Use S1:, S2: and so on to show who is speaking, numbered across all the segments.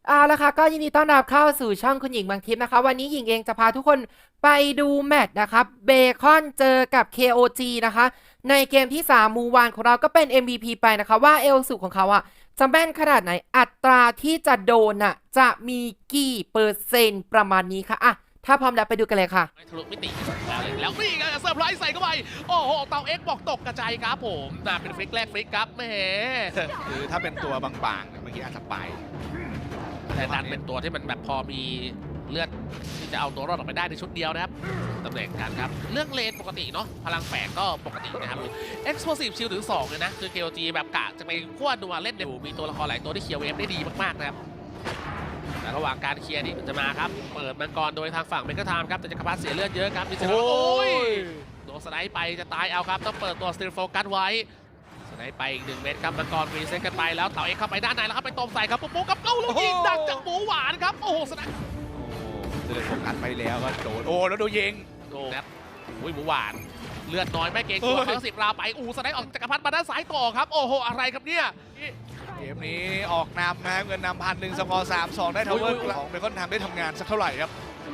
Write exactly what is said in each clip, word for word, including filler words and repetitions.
S1: เอาละค่ะก็ยินดีต้อนรับเข้าสู่ช่องคุณหญิงบางทิพย์นะคะวันนี้หญิงเองจะพาทุกคนไปดูแมตช์นะครับเบคอนเจอกับ เค โอ จี นะคะในเกมที่สามมูวานของเราก็เป็น เอ็ม วี พี ไปนะคะว่าเอลสุของเขาอะจะแม่นขนาดไหนอัตราที่จะโดนอะจะมีกี่เปอร์เซ็นต์ประมาณนี้ค่ะอะถ้าพร้อมแล้วไปดูกันเลยค่ะ
S2: ทะลุมิติแล้วแล้วนี่ไงเซอร์ไพรส์ใส่เข้าไปโอ้โหเตาเอ็กบอกตกกระจายครับผมน่าเป็นฟลิกแรกฟลิกครับแหม
S3: คือถ้าเป็นตัวบางๆเนี่ยเมื่อกี้อาจจะไป
S2: แต่ดันเป็นตัวที่มันแบบพอมีเลือดที่จะเอาตัวรอดออกไปได้ในชุดเดียวนะครับตำแหน่งกันครับเรื่องเลนปกติเนาะพลังแฝงก็ปกตินะครับ Explosive Shield ถึงสองเลยนะคือ เค โอ จี แบบกะจะไปขั้วนัวเล่นเดี๋ยวมีตัวละครหลายตัวที่เคลียร์เวฟได้ดีมากๆนะครับแต่ระหว่างการเคลียร์นี่มันจะมาครับเปิดมังกรโดยทางฝั่งเมกาไทม์ครับแต่จะกระพาเสียเลือดเยอะครับมีเซนโอ้ยโดนสไนป์ไปจะตายเอาครับต้องเปิดตัวสติลโฟกัสไว้สไนป์ไปอีกหนึ่งเม็ดครับมังกรรีเซ็ตกันไปแล้วเต่าเอกเข้าไปด้านในแล้วครับไปตบใส่ครับปุ๊บปุ๊บกับเอ้าลูกยิงดักจากหมูหวานครับโอ้โหสไนป์
S3: โอ้เดินโฟกัสไปแล้วก็โดนโอ้แล้วดูยิง
S2: โอ้ครับอุ้ยหมูหวานเลือดน้อยไม่เกรงกลัวทั้งสิบราวไปอูสไนป์ออกจักรพรรดิมาด้านซ้ายต่อครับโอ้โหอะไรครับเนี่ย
S3: เกมนี้ออกนำนะเงินนำพันหนึ่งสกอร์สามสองได้ทาวเวอร์ของเบคอนทำได้ทำงานสักเท่าไหร่ครับ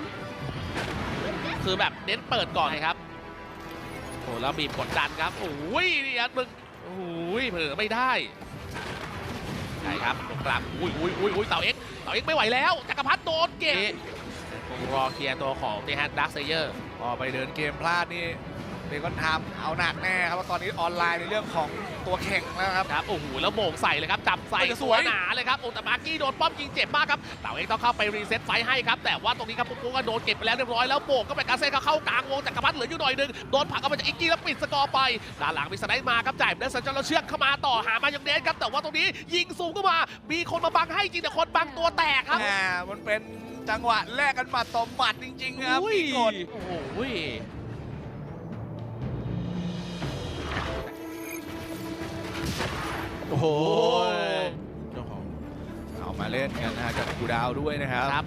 S2: คือแบบเน้นเปิดก่อนเลยครับโอ้แล้วบีบกดดันครับโอ้ยนี่อันมึงโอ้ยเผลอไม่ได้ใช่ครับกลับอุ้ยอุ้ยอุ้ยอุ้ยเต่าเอ็กเต่าเอ็กไม่ไหวแล้วจักรพรรดิโดนเกะคงรอเคลียร์ตัวของเดฮันดักเซเยอร์
S3: พอไปเดินเกมพลาดนี่เบคอนทำเอาหนักแน่ครับว่าตอนนี้ออนไลน์ในเรื่องของตัวแข่งแล้วครับ
S2: ครับโอ้โหแล้วโมงใส่เลยครับจับใส่
S3: โอ้ยส
S2: ส
S3: ว
S2: วย ยหนาเลยครับโอ้แต่มาร์กี้โดนป้อมยิงเจ็บมากครับเต่าเอ็กต้องเข้าไปรีเซ็ตไฟให้ครับแต่ว่าตรงนี้ครับปุ๊กปุ๊กก็โดนเก็บไปแล้วเรียบร้อยแล้วโบกก็เป็นการเซตเข้ากลางวงจักรพรรดิเหลืออยู่หน่อยนึงโดนผลักออกมาจากอิกกี้แล้วปิดสกอร์ไปด้านหลังมีสไนด์มาครับจ่ายเดินสัญจรแล้วเชือกเข้ามาต่อหามายองเดสครับแต่ว่าตรงนี้ยิงสูงเข้ามามีคนมาบังให้จริงแต่คนบังตัวแตกครับ
S3: อ่ามันเป็นจังหวะแลกกันหมัดต่อหมัดจริงๆครับ
S2: อุ้ย
S3: มีกด
S2: โอ้โห
S3: โอ้โหเจ้าของเอามาเล่นกันนะฮะกับกูดาวด้วยนะครับ
S2: ครับ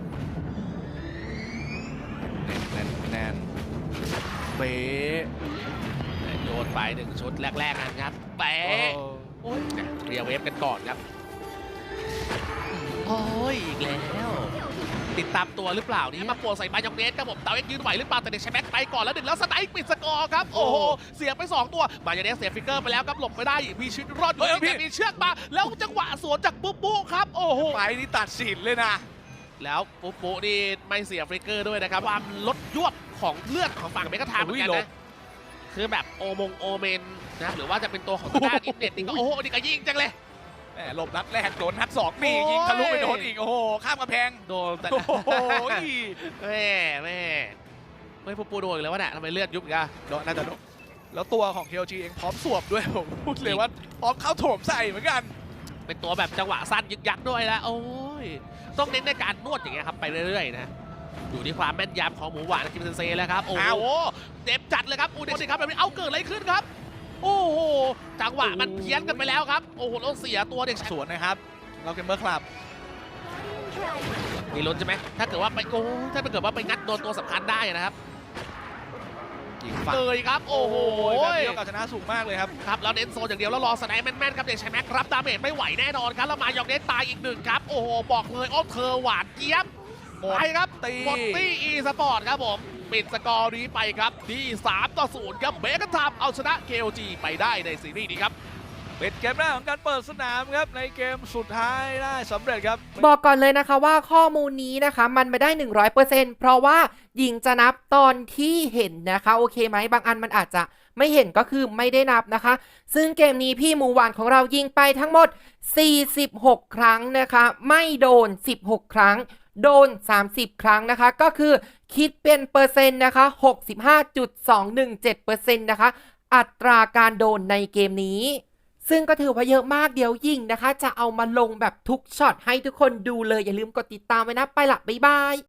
S3: แน่นแน่นแน่นเป๊ะ
S2: โยนไปหนึ่งชุดแรกๆกันครับแปะโอ้ยเรียเวฟกันก่อนครับโอ้ยอีกแล้วติดตามตัวหรือเปล่านี่มาปวดใส่มายองเนสครับผมเตาเอ็กยืนไหวหรือเปล่าแต่เด็กใช้แม็กไปก่อนแล้วหนึ่งแล้วสไนป์ปิดสกอร์ครับโอ้โหเสียไปสองตัวมายองเนสเสียฟิกเกอร์ไปแล้วครับหลบไม่ได้มีชีวิตรอดอยู่แต่มีเชือกมาแล้วจังหวะสวนจากปุ๊บปุ๊ครับโอ้โห
S3: ไปนี่ตัดสินเลยนะ
S2: แล้วปุ๊บปุ๊นี่ไม่เสียฟลิกเกอร์ด้วยนะครับความลดยวบของเลือดของฝั่งเมกาไทม์เหมือนกันนะคือแบบโอมงโอเมนนะครับหรือว่าจะเป็นตัวของด้านอินเน็ตนี่ก็โอ้โหนี่ก็ยิงจังเลย
S3: แหมหลบนัดแรกโดนนัดสองนี่ยิงทะลุไปโดนอีกโอ้โหข้ามกระแพง
S2: โดนแต่
S3: โอ้โห
S2: แม่แม่ไม่ปุ๊บปุ๊โดนอีกแล้ววะเนี่ยทำไมเลือดยุบอีกอะ
S3: โดนน่าจะโดนแล้วตัวของ เค โอ จี เองพร้อมสวบด้วยผมพูดเลยว่าพร้อมเข้าโถมใส่เหมือนกัน
S2: เป็นตัวแบบจังหวะสั้นยึกยักด้วยแล้วโอ้ยต้องเน้นในการนวดอย่างเงี้ยครับไปเรื่อยๆนะอยู่ที่ความแม่นยำของหมูหวานคิมเซนเซ่แล้วครับโอ้โหเจ็บจัดเลยครับอูเด็กสิครับแบบนี้เอาเกิดอะไรขึ้นครับโอ้โหจังหวะมันเพี้ยนกันไปแล้วครับโอ้โหแล้วเสียตัวเด็ก
S3: สวนนะครับเราเกมเมอร์คลับ
S2: มีลุ้นใช่ไหมถ้าเกิดว่าไปโอ้ถ้าเกิดว่าไปงัดโดนตัวสำคัญได้นะครับ
S3: ยิงฝั่ง
S2: เลยครับโอ้โห
S3: แบบนี้โอกาสชนะสูงมากเลยครับ
S2: ครับแล้วเน้นโซนอย่างเดียวแล้วรอสไนป์แม่นๆครับเด็กชายแม็กรับดาเมจไม่ไหวแน่นอนครับแล้วมายองเนสตายอีกหนึ่งครับโอ้โหบอกเลยโอ้เธอหวานเจี๊ยบ
S3: หมด
S2: ไปครับ
S3: ตี
S2: หมดตี้อีสปอร์ตครับผมปิดสกอร์นี้ไปครับที่สามต่อศูนย์ครับเบคอนทำเอาชนะ เค โอ จี ไปได้ในซีรีส์นี้ครับ
S3: เป็นเกมแรกของการเปิดสนามครับในเกมสุดท้ายได้สำเร็จครับ
S1: บอกก่อนเลยนะคะว่าข้อมูลนี้นะคะมันไม่ได้ หนึ่งร้อยเปอร์เซ็นต์ เพราะว่าหญิงจะนับตอนที่เห็นนะคะโอเคไหมบางอันมันอาจจะไม่เห็นก็คือไม่ได้นับนะคะซึ่งเกมนี้พี่หมูหวานของเรายิงไปทั้งหมดสี่สิบหกครั้งนะคะไม่โดนสิบหกครั้งโดนสามสิบครั้งนะคะก็คือคิดเป็นเปอร์เซ็นต์นะคะ หกสิบห้าจุดสองหนึ่งเจ็ดเปอร์เซ็นต์ นะคะอัตราการโดนในเกมนี้ซึ่งก็ถือว่าเยอะมากเดี๋ยวยิ่งนะคะจะเอามาลงแบบทุกช็อตให้ทุกคนดูเลยอย่าลืมกดติดตามไว้นะไปละบ๊ายบาย